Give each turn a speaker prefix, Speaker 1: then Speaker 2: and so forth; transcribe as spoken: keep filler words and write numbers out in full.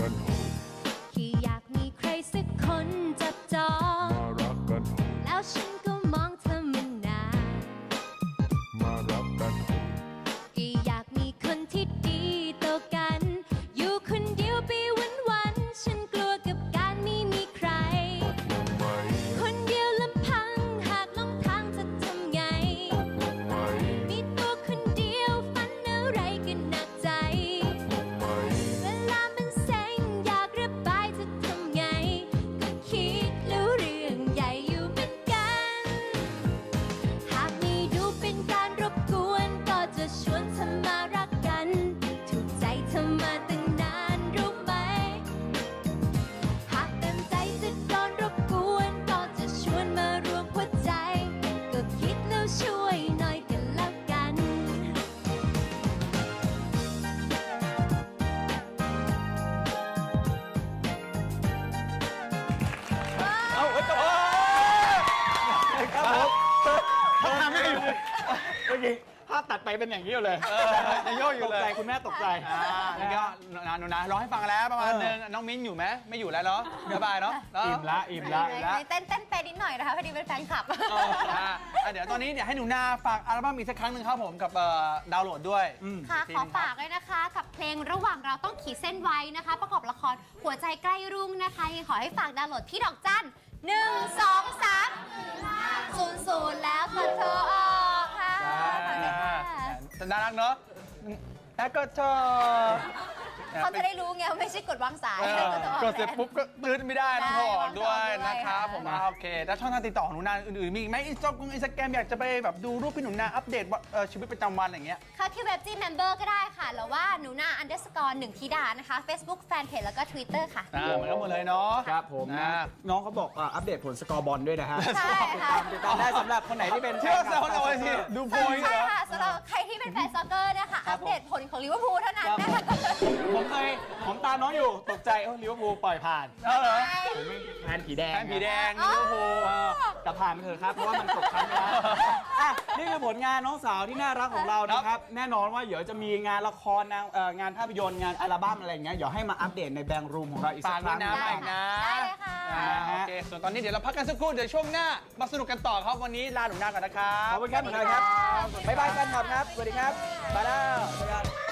Speaker 1: กันหอม
Speaker 2: แค่อยากมีใครสักคนจับจอง
Speaker 1: มารักกันหอม
Speaker 2: แล้วฉันก็มองเธอมานาน
Speaker 1: มารักกันหอม
Speaker 2: แค่อยากมีคนที่ดีต่อกัน อยู่คนเดียวไปวันๆฉันกลัวกับการไม่มีใคร
Speaker 1: ตกลงไหม
Speaker 2: คนเดียวลำพังหากหลงทางจะทำไง
Speaker 1: ตกลงไหม
Speaker 2: มีตัวคนเดียวฝันอะไรก็หนักใจ
Speaker 1: ตกลงไหม
Speaker 2: เวลามันเซ็งอยากระบายจะทำไง ก็คิดแล้วเรื่องใหญ่อยู่เหมือนกัน หากไม่ดูเป็นการรบกวนก็จะชวนเธอมารักกัน ถูกใจเธอมาตั้งนานรู้ไหม หากเต็มใจจะโดนรบกวนก็จะชวนมารวมหัวใจ ก็คิดแล้วช่วยหน่อยกันแล้วกัน
Speaker 3: เอาเฮ้ยจบครับผมเขาทำไม่อยู่เมื่อกี้ภาพตัดไปเป็นอย่างนี้เลยยังโยกอยู่เลยตกใจคุณแม่ตกใจ
Speaker 4: อ่าแล้วก็นะหนูนะร้องให้ฟังแล้วประมาณนึงน้องมิ้นอยู่ไหมไม่อยู่แล้วเนาะสบายเนาะ
Speaker 3: อิ่มละอิ่มละ
Speaker 5: เต้นเต้นไปนิดหน่อยนะคะพอดีเป็นแฟนคลับ
Speaker 4: เอออ่ะอ่ะเดี๋ยวตอนนี้เดี๋ยวให้หนูนาฝากอัลบั้มอีกสักครั้งหนึ่งครับผมกับเอ่อดาวน์โหลดด้วย
Speaker 5: ค่ะขอฝากเลยนะคะกับเพลงระหว่างเราต้องขีดเส้นไว้นะคะ ประกอบละครหัวใจใกล้รุ่งนะคะยังขอให้ฝากดาวน์โหลดที่ดอกจันหนึ่งสองสามศูนย์ศูนย์แล้วกดโทรออกค่ะฝากด้วยค่ะ
Speaker 4: แต่น่ารักเนาะแล้วก็ชอบ
Speaker 5: เขาจะได้รู้ไงว่าไม่ใช่กดวางสาย
Speaker 4: เออก
Speaker 5: ดโทรออก
Speaker 4: กดเสร็จปุ๊บก็ตื้นไม่ได้ต้องโทรออกด้วย
Speaker 5: ได้
Speaker 4: นะครับผม
Speaker 5: ค่ะ
Speaker 4: อ่ะโอเคแล้วช่องทางติดต่อของหนูนาอื่นๆมีอีกไหมอินสตาแกรมอินสตาแกรมอยากจะไปแบบดูรูปพี่หนูนาอัปเดตว่าเอ่อชีวิตประจำวันอะไรอย่างเงี้ย
Speaker 5: เข้าที่เว็บจีเมมเบอร์ก็ได้ค่ะหรือว่าหนูนา underscore หนึ่งธิดานะคะ Facebook Fanpage แล้วก็ Twitter ค่ะ
Speaker 4: อ่าเหมือนกันหมดเลยเนาะ
Speaker 3: ครับผม
Speaker 4: อ่า
Speaker 3: น้องเขาบอกอ่ะอัปเดตผลสกอร์บอลด้วยนะฮะ
Speaker 5: ใช่ค่ะ
Speaker 3: ติดตามได้สำหรับคนไหนที่เป็น
Speaker 4: เชื่อเซลล์เอาไว้สิดูโพยเหร
Speaker 5: ใช่
Speaker 4: อ
Speaker 5: ค่ะสำหรับใครที่เป็นแฟนซ็อกเกอร์นะคะ อัปเดตผลของลิเวอร์พูลเท่านั้นนะคะ
Speaker 3: ผมเคยผมตามน้องอยู่ตกใจเออลิเวอร์พูลปล่อยผ่าน
Speaker 4: เออเหรอ
Speaker 3: ผมเป็นแฟนผีแดง
Speaker 4: แฟนผีแดง
Speaker 5: อ๋อ
Speaker 4: ลิเวอร์พูล
Speaker 3: เออแต่ผ่านไปเถอะครับเพราะว่ามันตกชั้นไปแล้วอ่ะนี่คือผลงานน้องสาวที่น่ารักของเรานะครับ แน่นอนว่าเดี๋ยวจะมีงานละครนางเอ่องานภาพยนตร์งานอัลบั้มอะไรอย่างเงี้ยเดี๋ยวให้มาอัปเดตในแบงค์รูมของเราอีกสั
Speaker 4: ฝาก
Speaker 3: กค
Speaker 4: ด้ว
Speaker 3: รั้
Speaker 4: ย
Speaker 3: ง
Speaker 4: นะมาอีกนะ
Speaker 5: ได้เลยค่ะ
Speaker 4: อ่าโอเค ส่วนตอนนี้เดี๋ยวเราพักกันสักครู่ เดี๋ยวช่วงหน้า มาสนุกกันต่อครับ วันนี้ลาหนุ่มหน้าก่อนนะครับ
Speaker 3: ขอบคุณครับหมอครับบ๊ายบายแฟนคลับครับสวัสดีครับไปแล้วสวัสดีครับ